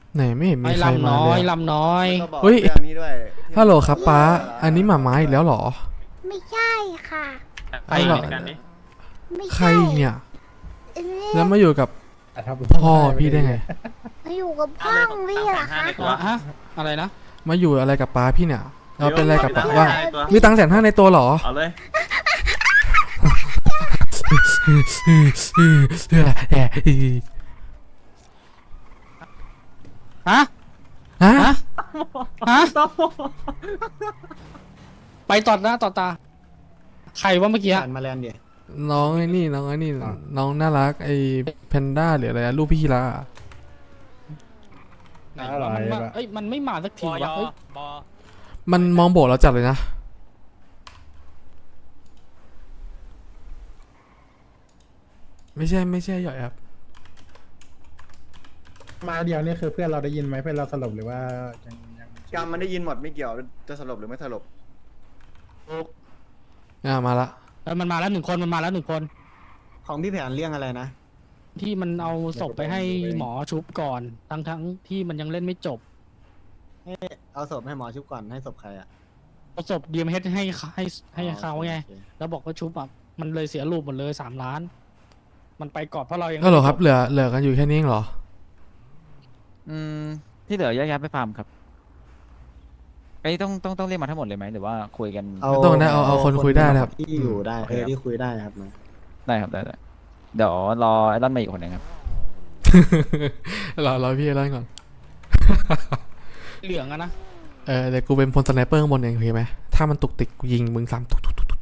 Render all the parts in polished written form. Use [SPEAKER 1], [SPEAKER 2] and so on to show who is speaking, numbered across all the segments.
[SPEAKER 1] ไหนไม่เห็นมีใครมาเลย
[SPEAKER 2] ลำน้อย
[SPEAKER 3] แล้วก็บอก
[SPEAKER 1] เฮ้ย
[SPEAKER 3] เรื่องนี้ด้วยที่
[SPEAKER 1] ฮัลโหลครับป้าอันนี้หมาม้าอีกแล้วเหรอ
[SPEAKER 4] ไม่ใช่ค่ะ
[SPEAKER 1] ใครเหรอ
[SPEAKER 4] ไม่
[SPEAKER 1] ใคร
[SPEAKER 4] ใช่
[SPEAKER 1] เนี่ย
[SPEAKER 4] เอ๊ะ
[SPEAKER 1] แล้วมาอยู่กับพ่อพี่ได้ไง
[SPEAKER 4] มาอยู่กับพ่อพี่เหรอคะ
[SPEAKER 2] ฮะอะไรนะ
[SPEAKER 1] มาอยู่อะไรกับป้าพี่เนี่ยเราเป็นอะไรกับป้าว่ามีตังค์150,000ในตัวเหรอ
[SPEAKER 5] เอาเลย
[SPEAKER 2] ฮะ
[SPEAKER 1] ฮะ
[SPEAKER 2] ฮะฮะไปต่อหน้าต่อตา ใครว่าเมื่อกี้
[SPEAKER 6] มาแลนด์ดิ
[SPEAKER 1] น้องไอ้นี่น้องน่ารักไอ้แพนด้าหรืออะไรอะลูกพี่คีรา
[SPEAKER 2] ไหนว่ามันมาเอ้ยมันไม่มาสักทีวะเฮ้ย
[SPEAKER 1] มันมองโบกเราจัดเลยนะไม่ใช่หย่อยครับ
[SPEAKER 7] มาเดียวนี่คือเพื่อนเราได้ยินไหมเพื่อนเราสลบหรือว่ายัง
[SPEAKER 3] กรรมมันได้ยินหมดไม่เกี่ยวจะสลบหรือไม่สลบ
[SPEAKER 1] มาละ
[SPEAKER 2] มันมาแล้ว1 คนมันมาแล้ว1 คน
[SPEAKER 6] ของพี่แผนเรื่องอะไรนะ
[SPEAKER 2] ที่มันเอาศพไปให้หมอชุบก่อนทั้งที่มันยังเล่นไม่จบ
[SPEAKER 6] เอาศพให้หมอชุบก่อนให้ศพใครอ่ะ
[SPEAKER 2] เอาศพดีมเฮดให้เขาไง
[SPEAKER 6] โอเค
[SPEAKER 2] แล้วบอกว่าชุบอ่ะมันเลยเสียรูปหมดเลย3 ล้าน มันไปก่อนเพราะเรายัง
[SPEAKER 1] ก็เหรอครับเหลือกันอยู่แค่นี้เองเหรอ
[SPEAKER 5] ที่เหลือแยกย้ายไปฟาร์มครับไอ้ยต้องเรียกมาทั้งหมดเลยไหมหรือว่าคุยกัน
[SPEAKER 1] ไม่ต้องนะเอาคนคุยได้นะครับ
[SPEAKER 6] ที่อยู่ได้ที่คุยได้ครับนะ
[SPEAKER 5] ได้ครับได้เดี๋ยวรอไอ้ด้านมาอีกคนหนึ่งครับ
[SPEAKER 1] เราพี่เล่าก่อน
[SPEAKER 2] เหลืองอะนะ
[SPEAKER 1] เดี๋ยวกูเป็นพลสไนเปอร์ข้างบนเองโอเคไหมถ้ามันตุกติกกูยิงมึงซ้ำตุก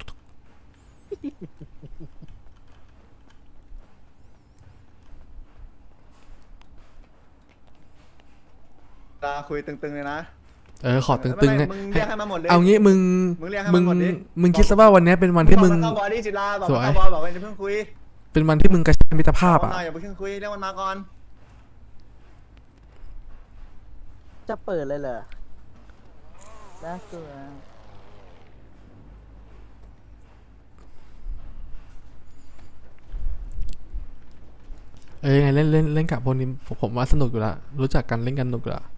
[SPEAKER 3] คุยตึงๆเลยนะ
[SPEAKER 1] ขอตึงๆ
[SPEAKER 3] ไม่
[SPEAKER 1] เนี่ย
[SPEAKER 3] มึงเรียกให้มาหมดเลย
[SPEAKER 1] เอางี้มึง
[SPEAKER 3] มึงเรียกให้มันหมดดิ
[SPEAKER 1] มึงคิดซะว่าวันนี้เป็นวันที่มึง
[SPEAKER 3] บอกมันเข้าบอดี้ศิลาบอก
[SPEAKER 1] ส
[SPEAKER 3] มัน
[SPEAKER 1] วย
[SPEAKER 3] เข้าบอลบอกว่าจะเพิ่งคุย
[SPEAKER 1] เป็นวันที่มึงกระชับมิตรภาพ
[SPEAKER 3] บอก
[SPEAKER 1] อ่ะ
[SPEAKER 3] หน่อยอย่าเพิ่งคุยเรียกมันมาก่อน
[SPEAKER 8] จะเปิดเลยเหรอน่ากลัว
[SPEAKER 1] ยังไงเล่นกับพวกนี้ผมว่าสนุกอยู่ละรู้จักกันเล่นกันสนุกอยู่ละ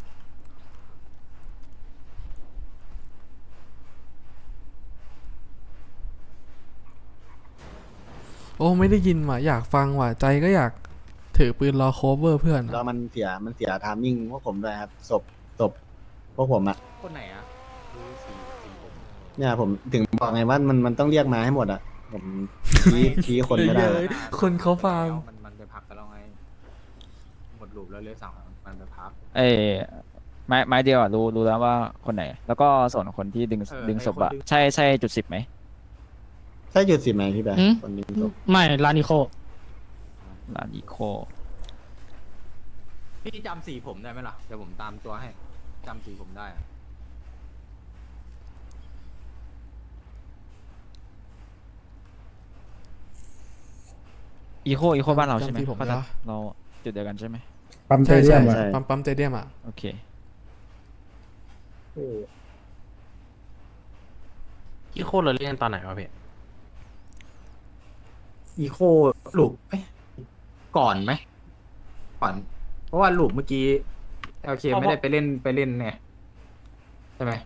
[SPEAKER 1] โอ้ไม่ได้ยินว่ะอยากฟังว่ะใจก็อยากถือปืนรอโคเวอร์เพื่อน
[SPEAKER 6] แล้ว
[SPEAKER 1] อะ
[SPEAKER 6] มันเสียทามมิ่งพวกผมด้วยครับศพพวกผมอ่ะ
[SPEAKER 5] คนไหนอ่ะ
[SPEAKER 6] เนี่ยผมถึงบอกไงว่ามันต้องเรียกมาให้หมดอ่ะผมชี้คนไม่ได้
[SPEAKER 1] คนเขาฟัง
[SPEAKER 9] มันไปพักกันแล้วไงหมดลูปแล้วเลยสั่งมันไปพัก
[SPEAKER 5] เอ้ยไม้เดียวอ่ะรู้แล้วว่าคนไหน แล้วก็ส่วนคนที่ดึงศพอ่ะใช่จุด 10ไหม
[SPEAKER 6] ใช่จุด10ไหมพี่แบร์คนนี้ศพ
[SPEAKER 2] ไม่ลานิโค
[SPEAKER 5] ลาดิโค
[SPEAKER 9] พี่จำสีผมได้ไหมล่ะ เดี๋ยวผมตามตัวให้จำสีผมได้อะ
[SPEAKER 5] อีโคบ้านเราใช่ไหม
[SPEAKER 1] จำที่ผมนะ
[SPEAKER 5] เราจุดเดียวกันใช่ไหม
[SPEAKER 7] ปั๊มเต
[SPEAKER 1] ใช่
[SPEAKER 7] เดีย
[SPEAKER 1] ใช่
[SPEAKER 7] มอะ
[SPEAKER 1] ปั๊มเตเดียมอ่ะ
[SPEAKER 5] โอเค
[SPEAKER 9] อีโคเราเล่นตอนไหนวะพี่
[SPEAKER 10] อีโคลูปก่อนไหมก่อน เพราะว่าลูปเมื่อกี้ LK ไม่ได้ไปเล่นไงใช่ไหม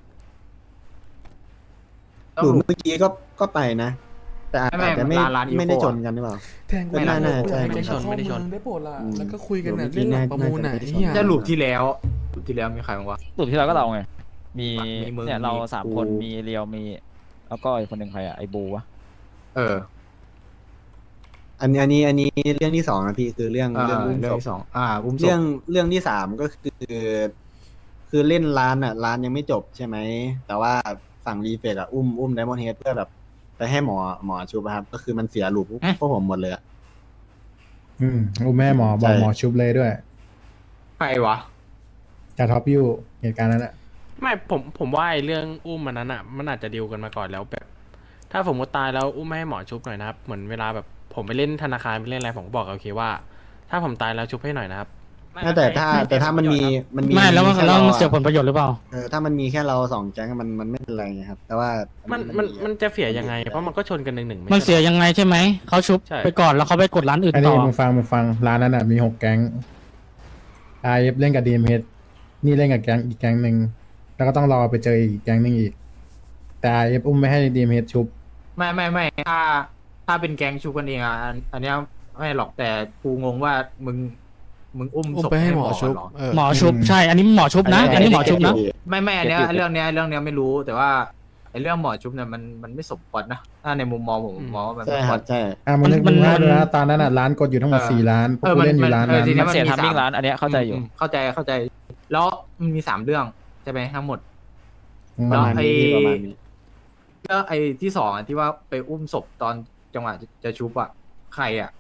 [SPEAKER 6] หลุมเมื่อกี้ก็ไปนะ แต่อาจจะไม่ได้ชนกันหรือเปล่า
[SPEAKER 1] แทงกู
[SPEAKER 6] ไม่น่าใช่
[SPEAKER 1] ไม่ได้ชนได้โปรดละแล้วก็คุยกันน่ะ
[SPEAKER 6] อืม
[SPEAKER 1] เรื่องหลังประมูลน่ะ
[SPEAKER 6] น่าจะ
[SPEAKER 1] ไอ้เหี้ย
[SPEAKER 10] จะลูปที่แล้วมีใครบ้างวะ
[SPEAKER 5] รูปที่เราก็เราไง มี
[SPEAKER 10] มีมึง
[SPEAKER 5] เนี่ยเรา
[SPEAKER 10] มี
[SPEAKER 5] 3 คน มีเรียวมีแล้วก็อีกคนหนึ่งใครอ่ะไอ้บูวะ
[SPEAKER 10] เออ
[SPEAKER 6] อันนี้เรื่องที่2นะพี่คือเรื่อง
[SPEAKER 10] เรื่อง
[SPEAKER 6] อุ้มศพ
[SPEAKER 10] ที่สองอุ้มศพ
[SPEAKER 6] เรื่องที่3ก็คือเล่นร้านอ่ะร้านยังไม่จบใช่ไหมแต่ว่าฝั่งรีเฟกอ่ะอุ้มไดมอนด์เฮดเพื่อแบบไปให้หมอชูครับก็คือมันเสียลูปพวกผมหมดเลยอะ
[SPEAKER 7] อุ้มแม่หมอบอกหมอชุบเลยด้วย
[SPEAKER 10] ใครวะ
[SPEAKER 7] จะท็อปยูเหตุการณ์นั้นแหละ
[SPEAKER 9] ไม่ผมว่าไอ้เรื่องอุ้มมันนั้นอ่ะมันอาจจะดีลกันมาก่อนแล้วแบบ ถ้าผมก็ตายแล้วอุ้มไม่ให้หมอชุบหน่อยนะครับเหมือนเวลาแบบผมไปเล่นธนาคารไปเล่นอะไรผมก็บอกโอเคว่า ถ้าผมตายแล้วชุบให้หน่อยนะครับ
[SPEAKER 6] แต่ถ้ามันมี
[SPEAKER 2] ไม่แล้วมัน
[SPEAKER 6] ค่
[SPEAKER 2] แล้ว
[SPEAKER 6] รา
[SPEAKER 2] มันเสียผลประโยชน์หรือเปล่า
[SPEAKER 6] ถ้ามันมีแค่เรา2แก๊งมันไม่เป็นไรไงครับ แต่ว่า
[SPEAKER 9] มันจะเสียยังไง เพราะมันก็ชนกัน1-1
[SPEAKER 2] มันเสียยังไงใช่ไหมเขาชุบ
[SPEAKER 9] ใช่
[SPEAKER 2] ไปก่อนแล้วเขาไปกดร้านอื่น
[SPEAKER 7] อัน
[SPEAKER 2] ต่
[SPEAKER 7] นี้
[SPEAKER 2] อ
[SPEAKER 7] มึงฟังร้านนั้นอ่ะมี6 แก๊ง RF เล่นกับ DMH นี่เล่นกับแก๊งอีกแก๊งหนึ่งแล้วก็ต้องรอไปเจออีกแก๊งหนึ่งอีก แต่ RF อุ้มไม่ให้ DMH ชุบ
[SPEAKER 10] ไม่ถ้าเป็นแก๊งชูกันเองอ่ะอันเนี้ยไม่หรอกแต่กูงงว่ามึงอุ้ม
[SPEAKER 1] อุ้ม
[SPEAKER 10] ศพ
[SPEAKER 1] ไปให้หมอ
[SPEAKER 10] ก่น
[SPEAKER 1] ชุบ
[SPEAKER 10] เหรอ
[SPEAKER 2] หมอชุบใช่ อันนี้หมอชุบนะ อันนี้หมอชุบนะ
[SPEAKER 10] ไม่อันเนี้ยเรื่องเนี้ยไม่รู้แต่ว่าไอ้เรื่องหมอชุบเนี่ยมันไม่สมควรนะถ้าในมุมมองผมมองว่ามัน
[SPEAKER 6] ใช่
[SPEAKER 10] ไม่
[SPEAKER 6] ค
[SPEAKER 10] คว
[SPEAKER 6] รั
[SPEAKER 10] ร
[SPEAKER 6] บใช่
[SPEAKER 7] มึงนึก
[SPEAKER 2] มัน
[SPEAKER 7] ดูให้ดูนะตอนนั้นร้านกดอยู่ทั้งหมด4 ล้านพวกกูเล่นอยู่ร้านนั้น
[SPEAKER 10] ที
[SPEAKER 5] มันเสีย
[SPEAKER 10] มี
[SPEAKER 5] ทามมิ่ง
[SPEAKER 10] สาม
[SPEAKER 5] ร้านอันเนี้ยเข้าใจอยู่
[SPEAKER 10] เข้าใจ แล้วมันมี3 เรื่องใช่ไหมทั้งหมด
[SPEAKER 6] ประมาณนี้พี่ประมาณนี้
[SPEAKER 10] แล้วไอ้ที่2อ่ะที่ว่าไปอุ้มศพตอนจังหวะจะชุบอ่ะใครอ่ะ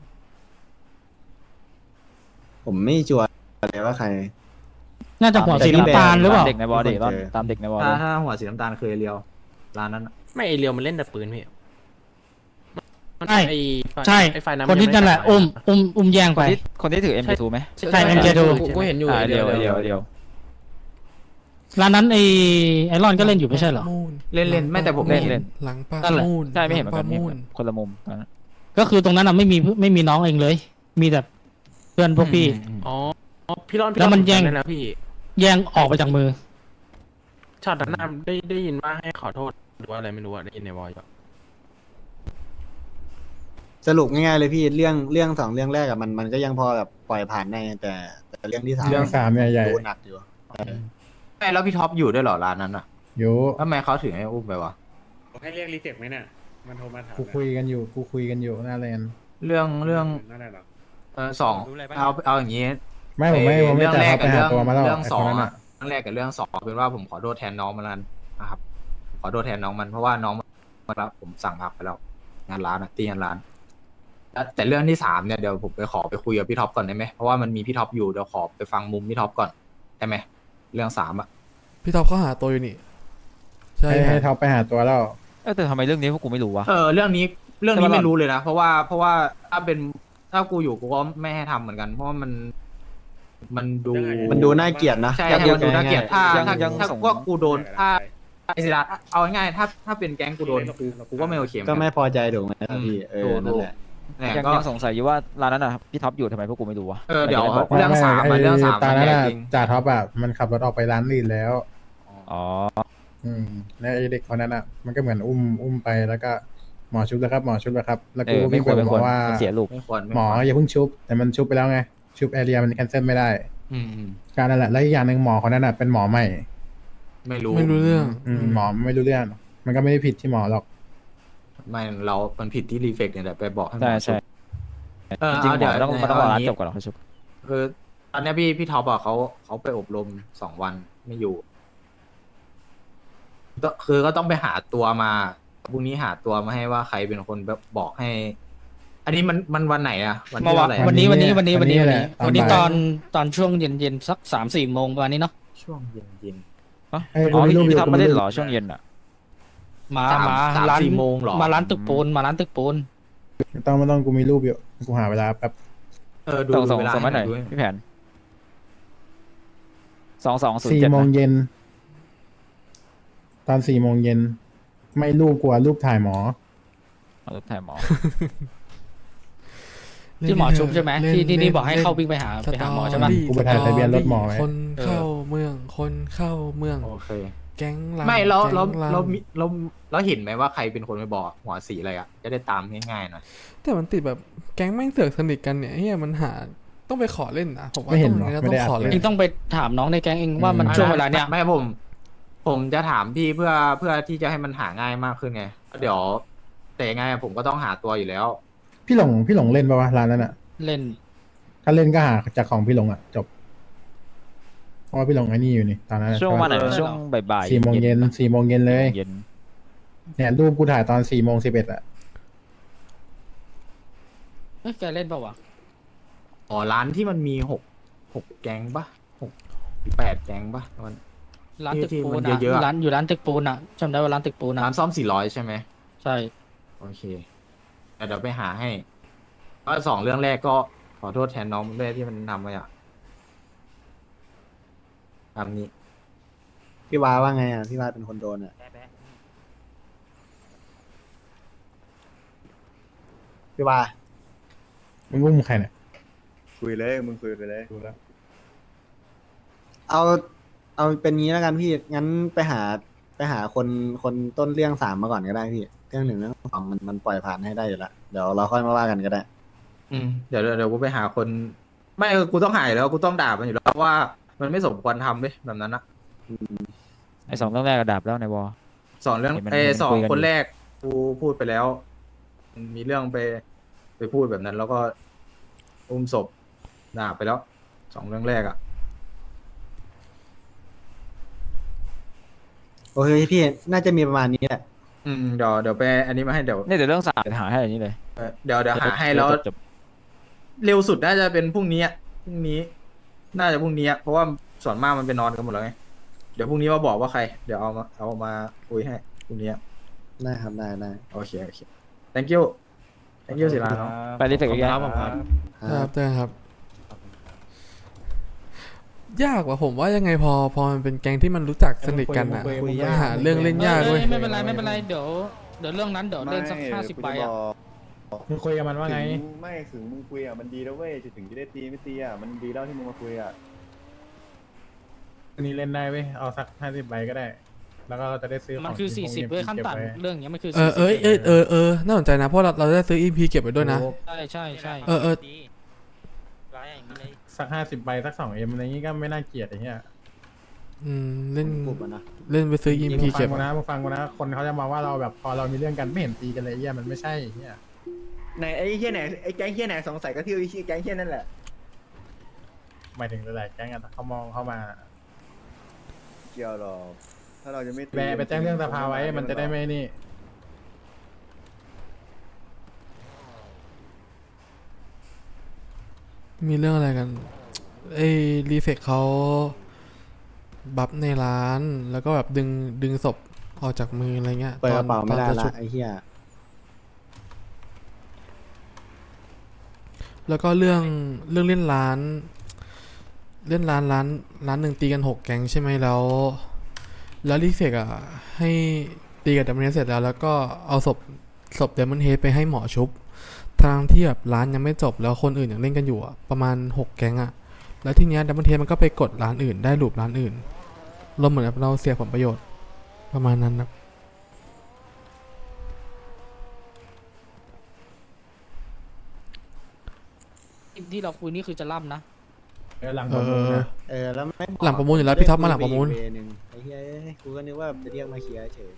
[SPEAKER 6] ผมไม่ชัวร์เลยว่าใคร
[SPEAKER 2] น่าจะหัวสีน้ำตาลหรือเปล่า
[SPEAKER 5] เด็กในบอดี้
[SPEAKER 6] คนเจอ
[SPEAKER 5] ตามเด็กในบอ
[SPEAKER 10] ถ้า
[SPEAKER 5] ดี้
[SPEAKER 10] ถ้าหัวสีน้ำตาลเคยเรียวร้านนั้นอะ
[SPEAKER 9] ไม่ไอเรียวมันเล่นแต่ปืนพี่มัน
[SPEAKER 2] ใช่
[SPEAKER 9] ไอ้ไฟ
[SPEAKER 2] ใช่
[SPEAKER 9] ไอ้ไฟนั้น
[SPEAKER 2] คนที่นั่นแหละ อุ้มแย่ง
[SPEAKER 5] ค
[SPEAKER 2] ไป
[SPEAKER 5] นที่ถือ MK2 ไหม
[SPEAKER 2] ใช่ MK2
[SPEAKER 9] กูเห็นอยู่
[SPEAKER 5] เดียว
[SPEAKER 2] ร้านนั้นไอรอนก็เล่นอยู่ไม่ใช่เหรอ
[SPEAKER 1] มูน
[SPEAKER 10] เล่นไม่แต่ผม
[SPEAKER 5] เล่
[SPEAKER 10] ไม่
[SPEAKER 5] น
[SPEAKER 10] เห็น
[SPEAKER 1] หลังปา
[SPEAKER 2] นั่นแหละ
[SPEAKER 1] มูน
[SPEAKER 5] ใช่ไม่เห็นเหมือน
[SPEAKER 1] ห
[SPEAKER 5] กั
[SPEAKER 1] ลั
[SPEAKER 5] น
[SPEAKER 1] งปามูน
[SPEAKER 5] คนละมุมตอนนั้น
[SPEAKER 2] ก็คือตรงนั้นอ่ะไม่มีน้องเองเลย มีแต่เพื่อนพวกพี่
[SPEAKER 9] อ๋อพี่รอน
[SPEAKER 2] แล้วมันแย่ง
[SPEAKER 9] ได้แล้วพี่
[SPEAKER 2] แย่งออกไปจากมือ
[SPEAKER 9] ช็อตนั้นน่ะได้ยินว่าให้ขอโทษหรือว่าอะไรไม่รู้อะได้ยินในวอยอยู่
[SPEAKER 6] สรุปง่ายๆเลยพี่เรื่อง2เรื่องแรกอะมันก็ยังพอแบบปล่อยผ่านได้แต่เรื่องที่3
[SPEAKER 7] เรื่อง3เนี่ยใหญ่
[SPEAKER 6] โดนหนักอยู่
[SPEAKER 10] ไม่แล้วพี่ท็อปอยู่ด้วยเหรอร้านนั้นอ่ะ
[SPEAKER 7] อยู่
[SPEAKER 10] ทำไมเขาถึงให้อุ้มไปวะ
[SPEAKER 11] ให้เรียกรีเฟกไหมเนี่ย มันโทรมาถาม
[SPEAKER 7] กูคุยกันอยู่หน้าแลนด์
[SPEAKER 10] เรื่อง
[SPEAKER 11] นั่นแหละหรอ
[SPEAKER 10] สองเอาอย่างนี้
[SPEAKER 7] ไม่ผมไม่
[SPEAKER 10] เรื่อง
[SPEAKER 7] จ่า
[SPEAKER 10] แร
[SPEAKER 7] ย
[SPEAKER 10] ก
[SPEAKER 7] เขาไป
[SPEAKER 10] กับ
[SPEAKER 7] หาตัวมาแล้ว
[SPEAKER 10] เรื่อง
[SPEAKER 7] ไอ้
[SPEAKER 10] ส
[SPEAKER 7] ค
[SPEAKER 10] อน ง
[SPEAKER 7] นั้น
[SPEAKER 10] อะ
[SPEAKER 7] อ่ะ
[SPEAKER 10] เรื่องแรกกับเรื่อง2เป็นว่าผมขอโทษแทนน้องมันนั้นนะครับขอโทษแทนน้องมันเพราะว่าน้องมันรับผมสั่งพักไปแล้วงานร้านอะตีงานร้านแต่เรื่องที่3เนี่ยเดี๋ยวผมไปคุยกับพี่ท็อปก่อนได้ไหมเพราะว่ามันมีพี่ท็อปอยู่เดี๋ยวขอไปฟังมุมพี่ท็อปก่อนได้ไหมเรื่อง3อะ
[SPEAKER 1] พี่ท็อปเขาหาตัวอยู่นี่ ใช่
[SPEAKER 7] ให้
[SPEAKER 1] ครับ
[SPEAKER 7] ท็อปไปหาตัวแล้ว
[SPEAKER 5] แต่ทำไมเรื่องนี้พวกกูไม่รู้วะ
[SPEAKER 10] เรื่องนี้ไม่รู้เลยนะเพราะว่าถ้ากูอยู่กูก็ไม่ให้ทำเหมือนกัน เพราะว่ามันดู
[SPEAKER 6] มันดูน่าเกลียดนะ
[SPEAKER 10] ใช่
[SPEAKER 7] ยัง
[SPEAKER 10] มันดูน่าเกลียดถ้า
[SPEAKER 5] ยัง
[SPEAKER 10] ถ้า
[SPEAKER 5] ส่ง
[SPEAKER 10] ว่ากูโดนถ้าไอศิลาเอาง่ายๆถ้าเป็นแก๊งกูโดนกูก็ไม่โอเคเหมือน
[SPEAKER 6] ก็
[SPEAKER 10] กัน
[SPEAKER 6] ไม่พอใจถูกไหมพี่นั่นแหละ
[SPEAKER 10] เนี่ย
[SPEAKER 5] ยัง
[SPEAKER 10] ก็
[SPEAKER 5] ยังสงสัยอยู่ว่าร้านนั้นอ่ะพี่ท็อปอยู่ทำไมพวกกูไม่รู้วะ
[SPEAKER 10] เดี๋ยว
[SPEAKER 5] บอก
[SPEAKER 10] เรื่องสามอะเรื่องสาม
[SPEAKER 7] ตา
[SPEAKER 10] มัน
[SPEAKER 7] นั้น
[SPEAKER 10] แยก
[SPEAKER 7] อ่ะ
[SPEAKER 10] จริง
[SPEAKER 7] จ่าท็อปอ่ะมันขับรถออกไปร้านอื่นแล้ว
[SPEAKER 5] อ๋อ
[SPEAKER 7] แล้วไอ้เด็กคนนั้นอ่ะ มันก็เหมือนอุ้มไปแล้วก็หมอชุบแล้วครับหมอชุบแล้วครับ แล้ว
[SPEAKER 5] เอ
[SPEAKER 7] กู
[SPEAKER 5] อ
[SPEAKER 7] ก็
[SPEAKER 5] ไม่
[SPEAKER 7] วิ่ง
[SPEAKER 5] ควร
[SPEAKER 7] ไป
[SPEAKER 5] ไม่
[SPEAKER 7] บ
[SPEAKER 5] ค
[SPEAKER 7] อ
[SPEAKER 5] วร
[SPEAKER 7] กว่า
[SPEAKER 5] มันเสียลูก
[SPEAKER 10] ไม่ควร
[SPEAKER 7] หมออย่าเพิ่งชุบ แต่มันชุบไปแล้วไง ชุบแอเรียมันแคนเซิลไม่ได้
[SPEAKER 10] อืม
[SPEAKER 7] การนั่นแหละแล้วอีกอย่างหนึ่งหมอคนนั้นอ่ะเป็นหมอใหม่
[SPEAKER 10] ไม่รู้
[SPEAKER 1] ไม่รู้เรื่อง
[SPEAKER 7] หมอไม่รู้เรื่อง มันก็ไม่ได้ผิดที่หมอหรอก
[SPEAKER 10] ไม่มันผิดที่รีเฟกเนี่ยแหละไปบอกให้หม
[SPEAKER 5] ใช่
[SPEAKER 10] อ
[SPEAKER 5] ใช่
[SPEAKER 10] ชุบ
[SPEAKER 5] จริงๆหม
[SPEAKER 10] เดี๋ยว
[SPEAKER 5] อต้องรอร้านจบก่อนแล้วค่อยชุบ
[SPEAKER 10] คือตอนเนี้ยพี่ท็อปอะเขาไปอบรม2 วันไม่อยู่คือก็ต้องไปหาตัวมาพรุ่งนี้หาตัวมาให้ว่าใครเป็นคนแบบบอกให้ อันนี้มันวันไหนอะวันที่เท่าไหร่
[SPEAKER 2] วันนี้
[SPEAKER 7] วันนี้แหละ
[SPEAKER 2] วันนี้
[SPEAKER 7] ต
[SPEAKER 2] ต
[SPEAKER 7] อ
[SPEAKER 2] อน นตอนช่วงเย็นสัก3-4 โมงประมาณนี้เนาะ
[SPEAKER 10] ช่วงเย็น
[SPEAKER 5] อ๋อ
[SPEAKER 7] เอ้ยกูมีรูปอยู่
[SPEAKER 5] พี่ท็อปมาเล่นเหรอช่วงเย็นอ่ะ
[SPEAKER 2] มา
[SPEAKER 10] สาม
[SPEAKER 2] ร้าน
[SPEAKER 10] 4 โมงเหรอ
[SPEAKER 2] มาร้านตึกปูนมาร้านตึกปูน
[SPEAKER 7] ไม่ต้องกูมีรูปอยู่กูหาเวลาแป๊บ
[SPEAKER 10] ดู
[SPEAKER 5] ส่ง
[SPEAKER 10] เวลา
[SPEAKER 5] ส่งมาหน่อย
[SPEAKER 10] ให้ด้วย
[SPEAKER 5] พี่แผน2207
[SPEAKER 7] 4 โมง
[SPEAKER 5] นะ
[SPEAKER 7] เย็นตอน4 โมงเย็นไม่รูปกลัวรูปถ่ายหมอ
[SPEAKER 5] เอารูปถ่ายหมอ
[SPEAKER 2] ที่หมอชุบใช่ไหมที่บอกให้เข้าวิ่งไปหาหมอใช่ปะ
[SPEAKER 7] กูไปถ่ายทะเบียนรถหมอไว้
[SPEAKER 1] คนเข้าเมือง คนเข้าเมือง
[SPEAKER 10] โอเค
[SPEAKER 1] แก๊งลา
[SPEAKER 10] ไม่แล้ว
[SPEAKER 1] แก๊งลา
[SPEAKER 10] เราเห็นไหมว่าใครเป็นคนไปบอกหัวสีอะไรอะจะได้ตามง่ายๆหน่อย
[SPEAKER 1] แต่มันติดแบบแก๊งแม่งเสือกสนิทกันเนี่ยเฮียมันหาต้องไปขอเล่นนะผมว่า
[SPEAKER 7] ไม่เห็น
[SPEAKER 1] ต้อง
[SPEAKER 7] หรอ
[SPEAKER 1] ต้อง
[SPEAKER 7] ไม่ได้
[SPEAKER 1] ขอ
[SPEAKER 7] อัด
[SPEAKER 1] เล่น
[SPEAKER 2] เองต้องไปถามน้องในแก๊งเองว่ามันช่วงเวลาเนี้ย
[SPEAKER 10] ไม่ผมจะถามพี่เพื่อที่จะให้มันหาง่ายมากขึ้นไงเดี๋ยวแต่ยังไงผมก็ต้องหาตัวอยู่แล้ว
[SPEAKER 7] พี่หลงเล่นปะวะร้านนั้นอ่ะ
[SPEAKER 2] เล่น
[SPEAKER 7] ถ้าเล่นก็หาจากของพี่หลงอ่ะจบเพราะว่าพี่หลงไอ้นี่อยู่นี่ตอนนั้นอะ
[SPEAKER 5] ช่วงประมาณไหน
[SPEAKER 2] เออ
[SPEAKER 5] ช่วงบ่ายๆ
[SPEAKER 7] 4 โมงเย็น4 โมงเย็นเลย
[SPEAKER 5] เย็น
[SPEAKER 7] เนี่ยรูปกูถ่ายตอน4 โมง 11อ่ะ
[SPEAKER 2] เอ้ยแกเล่นเปล่าวะ
[SPEAKER 10] อ๋อร้านที่มันมีหกแก๊งปะ8 แก๊งปะมัน
[SPEAKER 2] ร้านตึกปูน
[SPEAKER 10] ที่มัน
[SPEAKER 2] อะ
[SPEAKER 10] เยอะๆอะ
[SPEAKER 2] ร้านอยู่ร้านตึกปูนอะจำได้ว่าร้านตึกปูนอะ
[SPEAKER 10] ร้านซ่อม400ใช่ไหม
[SPEAKER 2] ใช่
[SPEAKER 10] โอเคเดี๋ยวไปหาให้ก็2 เรื่องแรกก็ขอโทษแทนน้องด้วยที่มันทำไปอ่ะตามนี้
[SPEAKER 6] พี่วาว่าไงอ่ะพี่วาเป็นคนโดนอ่ะพี่วา
[SPEAKER 7] มึงอุ้มใครเนี่ย
[SPEAKER 3] คุยเลยมึงคุยไปเลย
[SPEAKER 7] ดูแล้ว
[SPEAKER 6] เอาเอาเป็นงี้แล้วกันพี่งั้นไปหาคนต้นเรื่อง3มาก่อนก็ได้พี่เรื่อง1เรื่อง2มันปล่อยผ่านให้ได้อยู่แล้วเดี๋ยวเราค่อยมาว่ากันก็ได้
[SPEAKER 10] เดี๋ยวกูไปหาคน ไม่กูต้องหายแล้วกูต้องด่ามันอยู่แล้วว่ามันไม่สมควรทำเลยแบบนั้นนะ
[SPEAKER 5] ไอ้2เรื่องแรกกระดับแล้วในวอ
[SPEAKER 10] สองเรื่อง
[SPEAKER 5] เห็นมัน
[SPEAKER 10] สอง
[SPEAKER 5] คุยกันอยู่
[SPEAKER 10] คนแรกกูพูดไปแล้ว มีเรื่องไปพูดแบบนั้น แล้วก็อุ้มศพด่าไปแล้ว2เรื่องแรกอ่ะ
[SPEAKER 6] โอเคพี่น่าจะมีประมาณนี้แหละ
[SPEAKER 10] เดี๋ยวไปอันนี้มาให้เดี๋ยว
[SPEAKER 5] เนี่ยเดี๋ยวเรื่อง3จะหาให้อันนี้เลย
[SPEAKER 10] เดี๋ยวหาให้แล้ว
[SPEAKER 5] จบ
[SPEAKER 10] เร็วสุดน่าจะเป็นพรุ่งนี้น่าจะพรุ่งนี้เพราะว่าส่วนมากมันไปนอนกันหมดแล้วไงเดี๋ยวพรุ่งนี้มาบอกว่าใคร เดี๋ยวเอามาคุยให้พรุ่งนี้
[SPEAKER 6] ได้ครับได้
[SPEAKER 10] โอเค thank you ศิลาเนาะ
[SPEAKER 5] ไปรีเฟกอีกแล้ว
[SPEAKER 1] ครับเจอกันครับ ยากว่ะผมว่ายังไงพอมันเป็นแก๊งที่มันรู้จักสนิทกันอ่ะ
[SPEAKER 7] คุยยาก
[SPEAKER 1] หาเรื่องเล่นยากเว้ย
[SPEAKER 2] ไม่เป็นไรเดี๋ยวเรื่องนั้นเดี๋ยวเล่นสัก50ใบอ่ะ
[SPEAKER 7] มึงคุยกับมันว่าไง
[SPEAKER 3] ไม่ถึงมึงคุยอ่ะมันดีแล้วเว้ยถึงจะได้ตีไม่ตีอ่ะมันดีแล้วที่มึงมาคุยอ่ะ
[SPEAKER 7] อันนี้เล่นได้เว้ยเอาสัก50 ใบก็ได้ แล้วก็เราจะได้ซื้อของ
[SPEAKER 2] มันคือ
[SPEAKER 7] ที่พวก
[SPEAKER 2] 40ด้วยขั้น
[SPEAKER 7] ก็บไ
[SPEAKER 2] ต่ำเรื่องเนี้ยมันคือ
[SPEAKER 1] น่าสนใจนะเพราะเราได้ซื้อ EP เก็บไว้ด้วยนะ
[SPEAKER 2] ใช่
[SPEAKER 7] สัก50 ใบสัก2Mอะไรงี้ก็ไม่น่าเกลียดไอ้เหี้ย
[SPEAKER 1] เล่น
[SPEAKER 6] กลุ่มอะนะ
[SPEAKER 1] เล่นไปซื้อ EP
[SPEAKER 7] มึงฟั
[SPEAKER 1] เก็
[SPEAKER 7] ง
[SPEAKER 1] บ
[SPEAKER 7] กู
[SPEAKER 1] อะ
[SPEAKER 7] นะมึงฟังกูนะคนเขาจะมาว่าเราแบบพอเรามีเรื่องกันไม่เห็นตีกันเลยไอ้เหี้ยมันไม่ใช่ไอ้เหี้ย
[SPEAKER 3] ไหนไอ้เฮียไหนไอ้แก๊งเฮียไหนสงสัยก็ที่ไอ้แก๊งเฮียนั่นแหละ
[SPEAKER 7] หมายถึงหลายๆแก๊งอะเขามองเข้ามา
[SPEAKER 3] เกี่ยวหรอกถ้าเราจะไม่ตี
[SPEAKER 7] ไปแจ้งเรื่องสภาไว้มันจะได้ไม่นี่
[SPEAKER 1] มีเรื่องอะไรกันไอ้รีเฟกเขาบัฟในร้านแล้วก็แบบดึงศพออกจากมืออะไรเงี้ย
[SPEAKER 6] เปิดกระเป๋าไม่ได้
[SPEAKER 1] จะ
[SPEAKER 6] ละ
[SPEAKER 1] ชุบ
[SPEAKER 6] ไอ้เหี้ย
[SPEAKER 1] แล้วก็เรื่องเล่นร้านร้านหนึ่งตีกัน6แก๊งใช่ไหมแล้วรีเฟกอ่ะให้ตีกับเดมอนเฮดเสร็จแล้วก็เอาศพเดมอนเฮดไปให้หมอชุบทางที่แบบร้านยังไม่จบแล้วคนอื่นยังเล่นกันอยู่อ่ะประมาณ6แก๊งอ่ะแล้วทีเนี้ยเดมอนเฮดมันก็ไปกดร้านอื่นได้ลูปร้านอื่นเราเหมือนแบบเราเสียผลประโยชน์ประมาณนั้นนะ
[SPEAKER 2] ที่เราคุยนี่คือจะล่ำนะ
[SPEAKER 7] หลังประมูลนะ
[SPEAKER 6] แล้วไม่บอก
[SPEAKER 1] หลังประมูลอยู่แล้วพี่ท็อปมาหลังประมูล
[SPEAKER 6] เวนึงไอ้เหี้ยกูก็นึกว่าจะเรียกมาเคลียร์เฉย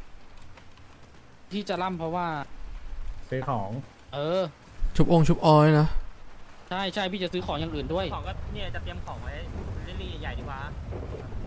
[SPEAKER 2] ที่จะล่ำเพราะว่า
[SPEAKER 7] ซื้อของ
[SPEAKER 1] ชุบออยนะ
[SPEAKER 2] ใช่พี่จะซื้อของอย่างอื่นด้วย
[SPEAKER 8] ของก็เนี่ยจะเตรียมของไว้เรื่อยๆใหญ่ดีกว่า